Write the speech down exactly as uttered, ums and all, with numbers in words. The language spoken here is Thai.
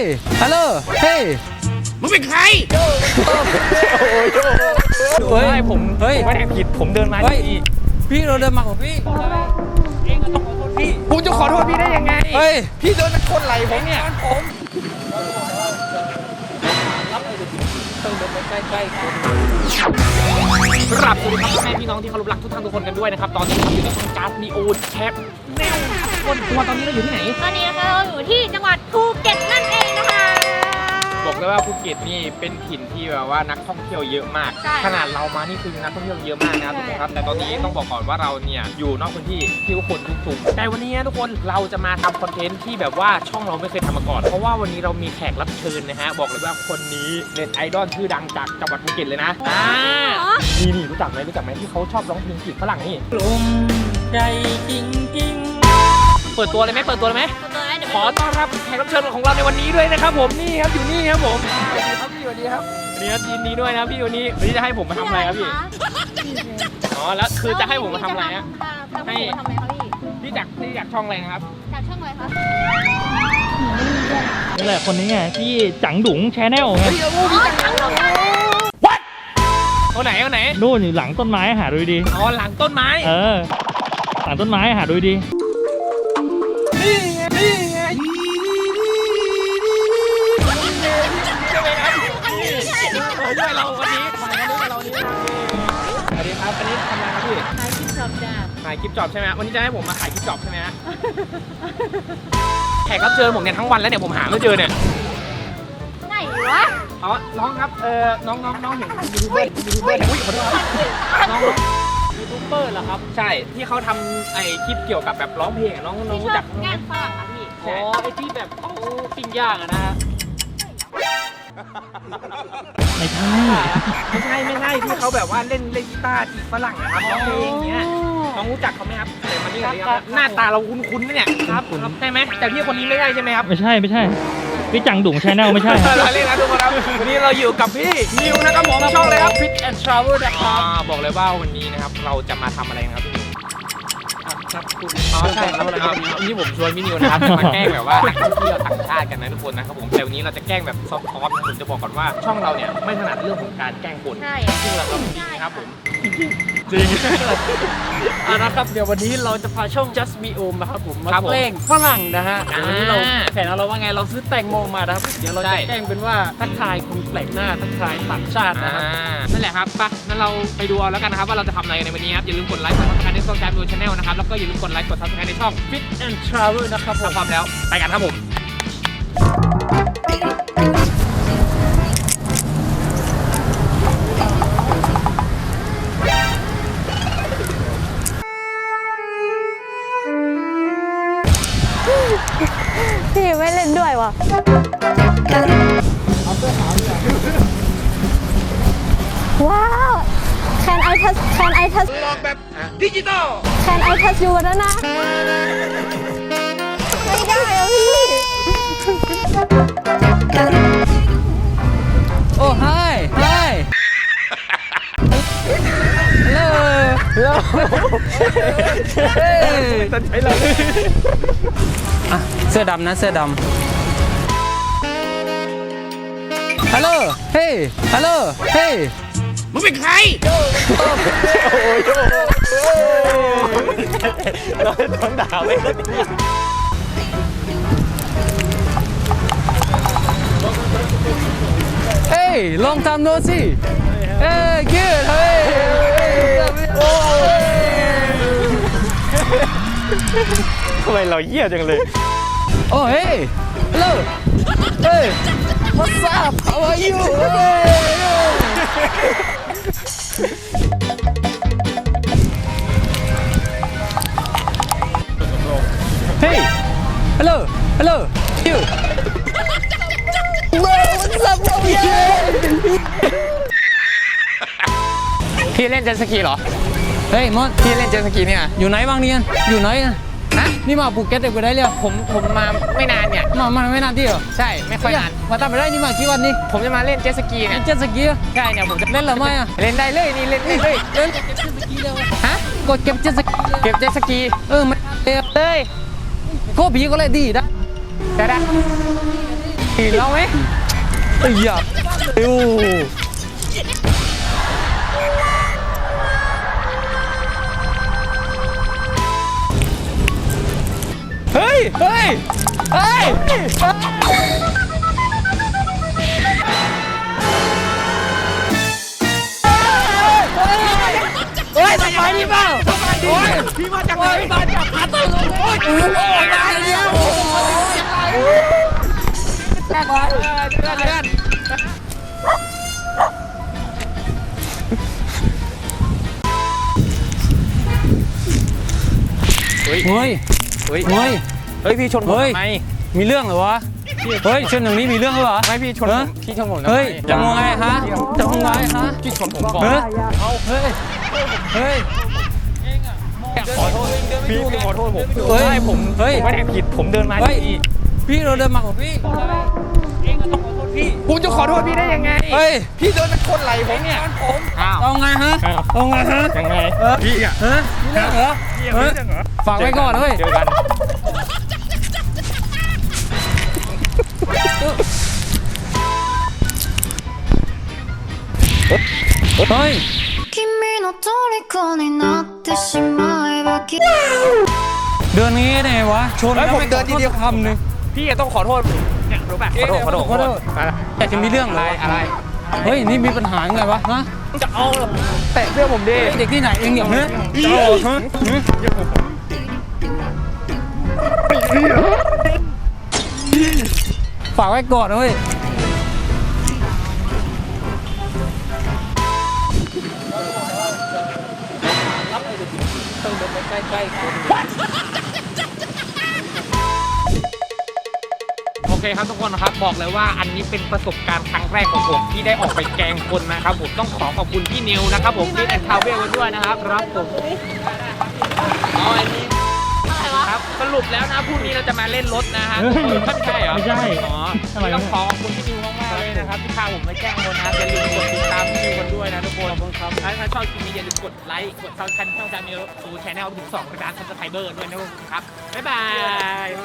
ฮัลโหลเฮ้ยมึงเป็นใครเฮ้ยผมเฮ้ยไม่ได้ผิดผมเดินมาที่พี่เราเดินมาของพี่เองก็ต้องขอโทษพี่ผมจะขอโทษพี่ได้ยังไงเฮ้ยพี่เดินมาชนไหล่ผมเนี่ยผมต้องเดินไปใกล้ๆคนกราบสวัสดีครับแม่พี่น้องที่เคารพรักทุกท่านทุกคนกันด้วยนะครับตอนนี้เราอยู่ในช่องการ์ดมีโอแคปแนวคนตัวตอนนี้เราอยู่ที่ไหนตอนนี้เราอยู่ที่จังหวัดภูเก็ตนั่นเองนะคะบอกเลยว่าภูเก็ตนี่เป็นถิ่นที่แบบว่านักท่องเที่ยวเยอะมากขนาดเรามานี่คือนักท่องเที่ยวเยอะมากนะครับทุกคนครับแต่ตอนนี้ต้องบอกก่อนว่าเราเนี่ยอยู่นอกพื้นที่ที่คนทุกๆแต่วันนี้ทุกคนเราจะมาทำคอนเทนต์ที่แบบว่าช่องเราไม่เคยทำมาก่อนเพราะว่าวันนี้เรามีแขกรับเชิญนะฮะบอกเลยว่าคนนี้เน็ตไอดอลชื่อดังจากจังหวัดภูเก็ตเลยนะอ่านี่นี่รู้จักไหมรู้จักไหมที่เขาชอบร้องเพลงจีบฝรั่งนี่ลมใจจริงจริงเปิดตัวเลยไหมเปิดตัวเลยไหมขอต้อนรับแขกรับเชิญของเราในวันนี้ด้วยนะครับผมนี่ครับอยู่นี่ครับผมสวัสดีครับพี่สวัสดีครับวันนี้ยินดีด้วยนะพี่วันนี้วันนี้จะให้ผมมาทำอะไรครับพี่อ๋อแล้วคือจะให้ผมมาทำอะไรฮะให้พี่จากพี่จากช่องอะไรนะครับจากช่องอะไรครับนี่แหละคนนี้ไงที่จังดุ๋งแชนแนลไงคนไหนคนไหนนู่นอยู่หลังต้นไม้หาดูดีอ๋อหลังต้นไม้เออหลังต้นไม้หาดูดีนี่ไงนี่ไงใช่ไหมครับด้วยเราวันนี้มาวันนี้เรานี้สวัสดีครับอันนี้ทำอะไรครับพี่ขายคลิปจอบจ้าขายคลิปจอบใช่ไหมวันนี้จะให้ผมมาขายคลิปจอบใช่ไหมฮะแขกรับเชิญผมเนี่ยทั้งวันแล้วเนี่ยผมหาไม่เจอเนี่ยไหนวะอ๋อน้องครับเออน้องน้องน้องเห็นยูทูบเบอร์ยูทูบเบอร์อุ้ยขอโทษน้องยูทูบเบอร์เหรอครับใช่ที่เขาทำไอคลิปเกี่ยวกับแบบร้องเพลงน้องน้องรู้จักงานฝรั่งนะพี่อ๋อไอที่แบบเขาปิ้งย่างอะนะฮะไม่ใช่ไม่ใช่ไม่ใช่ที่เขาแบบว่าเล่นเล่นกีตาร์จีบฝรั่งนะครับร้องเพลงอย่างเงี้ยน้องรู้จักเขาไหมครับแต่มันนี่หน้าตาเราคุ้นๆนะเนี่ยครับใช่ไหมแต่พี่คนนี้ไม่ใช่ใช่ไหมครับไม่ใช่ไม่ใช่พี่จังดุ๋งแชนแนลไม่ใช่เราเล่นนะทุกคนครับวันนี้เราอยู่กับพี่นิวนะครับผมช่องเลยครับ Fit and Travel นะครับบอกเลยว่าวันนี้นะครับเราจะมาทำอะไรนะครับพี่นิวครับคุณอ๋อใช่ครับวันนี้ผมชวนพี่นิวนะครับมาแกล้งแบบว่านักท่องเที่ยวต่างชาติกันนะทุกคนนะครับผมแต่วันนี้เราจะแกล้งแบบซอฟต์ๆผมจะบอกก่อนว่าช่องเราเนี่ยไม่ถนัดเรื่องของการแกล้งคนซึ่งเราก็จริงนะครับผมจริงอ่ะนะครับเดี๋ยววันนี้เราจะพาช่อง Just Me Om นะครับผมมาแกล้งฝรั่งนะฮะวันนี้เราแผนเราว่าไงเราซื้อแตงโมมานะครับเดี๋ยวเราจะแกล้งเป็นว่าทักทายคนแปลกหน้าทักทายต่างชาตินะครับนั่นแหละครับป่ะงั้นเราไปดูเอาแล้วกันนะครับว่าเราจะทำอะไรในวันนี้ครับอย่าลืมกดไลค์กดซับสไครบ์ในช่องการ์ดดูชาแนลนะครับแล้วก็อย่าลืมกดไลค์กดซับสไครบ์ในช่อง Fit and Travel นะครับผมพร้อมแล้วไปกันครับผมพี่ไม่เล่นด้วยวะว้าว Can I touch Can I touch ลองแบบดิจิตอล Can I touch you นะนะไม่ได้อะพี่โอ้ hi hi hello hello เฮ้ยตัดใจเราอ่ะเสื้อดำนะเสื้อดำฮัลโหลเฮ้ยฮัลโหลเฮ้ยมึงเป็นใครโอ้ยเราต้องด่าไปแล้วเฮ้ยลองทำดูสิเฮ้ยยืดเฮ้ยโอ้ยทำไมเราเหี้ยจังเลยโอ้เฮ้ยฮัลโหลเฮ้ย What's up How are you Hey Hello Hello You What's up bro พี่เล่นเจ็ตสกีเหรอเฮ้ยมดพี่เล่นเจ็ตสกีเนี่ยอยู่ไหนบ้างเนี่ยอยู่ไหนฮะนี่มาภูเก็ตเด็กไปได้เลยผมผมมาไม่นานเนี่ยมามาไม่นานที่เหรอใช่ไม่ค่อยนานมาทำไปได้นี่มากี่วันนี่ผมจะมาเล่นเจ็ตสกีเนี่ยเจ็ตสกีใช่เนี่ยผมจะเล่นหรือไม่อะเล่นได้เลยนี่เล่นได้เลยเล่นเจ็ตสกีเลยฮะกดเก็บเจ็ตสกีเก็บเจ็ตสกีเออไม่เลยเลยก็ผีก็เลยดีนะได้ได้เห็นเราไหมเอ้ยอย่าเร็วเฮ้ยเฮ้ยเฮ้ยเฮ้ยสบายดีเปล่าสบายดีพี่มาจากไหนมาจากพัทลุงโอ้ยโอ้ยมาเร็วแรกก่อนเดือนเดือนเฮ้ย เฮ้ย เฮ้ย เฮ้ย เฮ้ย พี่ชนผมทำไมมีเรื่องเหรอวะ เฮ้ยชนอย่างนี้มีเรื่องหรือเปล่าไม่พี่ชนผมพี่ชนผมเฮ้ยจะมองไงฮะจะมองไงฮะพี่ชนผมก่อนเฮ้ยเฮ้ย เฮ้ย ขอโทษพี่พี่ขอโทษผมเฮ้ยผมเฮ้ยไม่ได้ผิดผมเดินมาที่นี่พี่เราเดินมาของพี่เองก็ต้องขอโทษพี่ผมจะขอโทษพี่ได้ยังไงเฮ้ยพี่เดินมาชนไหลผมเนี่ยผมเอาไงฮะเอาไงฮะยังไงพี่อ่ะฮะเรื่องเหรอเฮ้ยฝากไว้ก่อนเฮ้ยเจอกันเฮ้ย君の虜になってしまえばきเดินนี้ได้ไงวะชนแล้วผมเดินทีเดียวคำนึงพี่ต้องขอโทษเนี่ยรู้ป่ะขอโทษขอโทษขอโทษอยากจะมีเรื่องอะไรอะไรเฮ้ยนี่มีปัญหาไงวะฮะจะเอาแตะเพื่อผมดิเด็กที่ไหนเองเนี่ยฮะจะเอาฮะฝากไว้ก่อนนะเว้ยใกล้ๆโอเคครับทุกคนนะครับบอกเลยว่าอันนี้เป็นประสบการณ์ครั้งแรกของผมที่ได้ออกไปแกล้งคนนะครับผมต้องขอขอบคุณพี่นิวนะครับผมที่แอนทาวเวลด้วยนะครับครับผมอ๋ออันนี้ครับสรุปแล้วนะพรุ่งนี้เราจะมาเล่นรถนะฮะไม่ใช่เหรอไม่ใช่อ๋อต้องขอขอบคุณพี่นิวมากๆเลยนะครับที่พาผมไปแกล้งคนนะอย่าลืมกดติดตามพี่นิวกันด้วยนะทุกคนขอบคุณครับถ้าชอบคลิปนี้อย่าลืมกดไลค์กดซับสไครต์ช่องจามิวซูแชนแนลถึงสองกระดานซับสไครเบอร์ด้วยนะครับบ๊ายบาย